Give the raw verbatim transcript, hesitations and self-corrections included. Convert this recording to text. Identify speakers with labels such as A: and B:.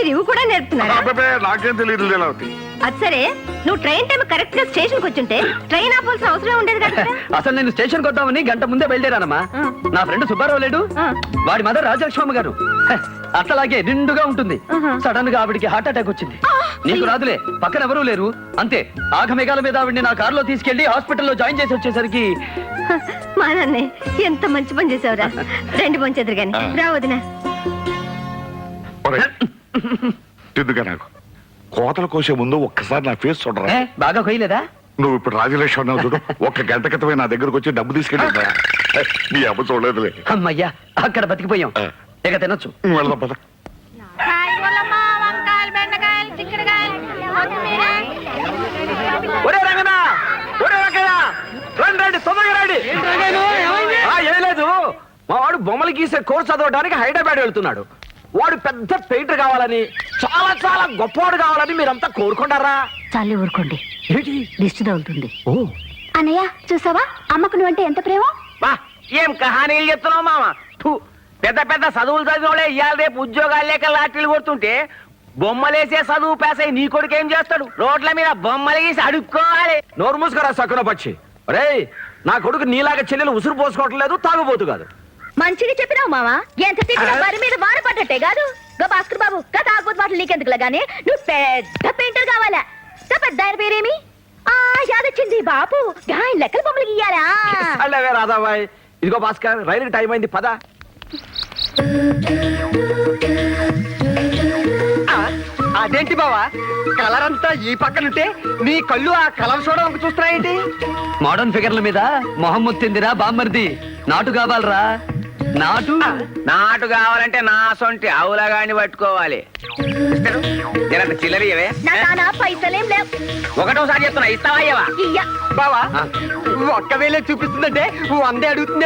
A: మీరు ఇవి కూడా నేర్పుతున్నారా?
B: నాకేం తెలియదు లీలావతి.
A: అది సరే, నువ్వు ట్రైన్ టైం కరెక్ట్ గా స్టేషన్ కి వచ్చుంటే ట్రైన్ ఆపాల్సిన అవసరం ఉండేది కదా.
C: అసలు నేను స్టేషన్ కొద్దామని గంట ముందే బయలుదేరానమ్మా. నా ఫ్రెండ్ సుబ్బారావు లేడు, వాడి మదర్ రాజలక్ష్మమ్మ గారు అట్లాగే నిండుగా ఉంటుంది. సడన్ గా ఆవిడికి హార్ట్ అటాక్ వచ్చింది. నీకు రాదులే, పక్కన ఎవరూ లేరు. అంతే ఆఘమేఘాల మీద ఆవిడ్ని నా కారులో తీసుకెళ్లి హాస్పిటల్లో జాయిన్ చేసి వచ్చేసరికి
A: మా నాన్నే ఎంత మంచి పని చేసావురా. రెండు మంచి ఎదురు గాని రా వదినా.
B: ఎందుక నాకు కోతలు కోసే ముందు ఒక్కసారి నా ఫేస్ చూడరా.
C: బాగా కొయ్యలేదా?
B: నువ్వు ఇప్పుడు రాజలక్ష్మి అన్నావు చూడు, ఒక్క గంట క్రితమే నా దగ్గరకు వచ్చి డబ్బు తీసుకెళ్ళి నీ అమ్మ చూడలేదులే.
C: అమ్మయ్యా, అక్కడ బతికిపోయాం. ఇక తినొచ్చు.
B: వెళ్దాం పద.
C: ఒరే రంగనా, ఒరే రంగనా, రండి రండి, తొందరగా రండి. ఏం లేదు, మా వాడు బొమ్మలు గీసే కోర్సు చదవడానికి హైదరాబాద్ వెళ్తున్నాడు. వాడు పెద్ద పెయింటర్ కావాలని, చాలా చాలా గొప్పవాడు కావాలని మీరంతా కోరుకుంటారా?
A: చాలే ఊరుకోండి,
C: ఏంటి
A: దిష్టి తగులుతుంది.
C: ఓ
A: అన్నయ్య చూసావా, అమ్మకు నువ్వంటే ఎంత ప్రేమ.
D: బా ఏం కహానీలు చెప్తున్నావు మామ. పెద్ద పెద్ద చదువులు చదివినోళ్ళే ఇవాళ రేపు ఉద్యోగాలు లేక లాటరీలు కొడుతుంటే బొమ్మలేసే చదువు పేసై నీ కొడుకు ఏం చేస్తాడు? రోడ్ల మీద బొమ్మలు గీసి అడుక్కోవాలి.
C: నోరు మూసుకురా సక్కున పక్షి. రే, నా కొడుకు నీలాగా చెల్లెలు ఉసురు పోసుకోవటం లేదు, తాగుబోతు కాదు.
A: మంచిగా చెప్పినావు మావా, ఎంత తిట్టినా వారి మీద వాన పడ్డట్టే కాదు. గా భాస్కర్ బాబు కథ ఆకపోతే మాటలు నీకెందుకులా గానీ నువ్వు పెద్ద పెయింటర్ కావాలా. పెద్ద ఆయన పేరేమి? ఆ యాదొచ్చింది బాపు, ఆయన లెక్కల బొమ్మలు గీయాలా.
C: అలాగే రాధాబాయ్. ఇదిగో భాస్కర్, రైలుకి టైం అయింది, పద. అదేంటి బావా, కలర్ అంతా ఈ పక్కనుంటే నీ కళ్ళు ఆ కలర్ చూడడానికి చూస్తున్నాయేంటి? మోడర్న్ ఫిగర్ల మీద మొహమ్మద్ తిందిరా బామ్మర్ది. నాటు కావాలరా, నాటు.
D: నాటు కావాలంటే నా సొంటి ఆవులగాని పట్టుకోవాలి. జరంత చిల్లరియవే.
A: పైసలేం లేవు.
D: ఒకటోసారి చెప్తున్నా, ఇస్తావా?
C: బావా ఒక్క వేలే చూపిస్తుందంటే వందే అడుగుతుంది.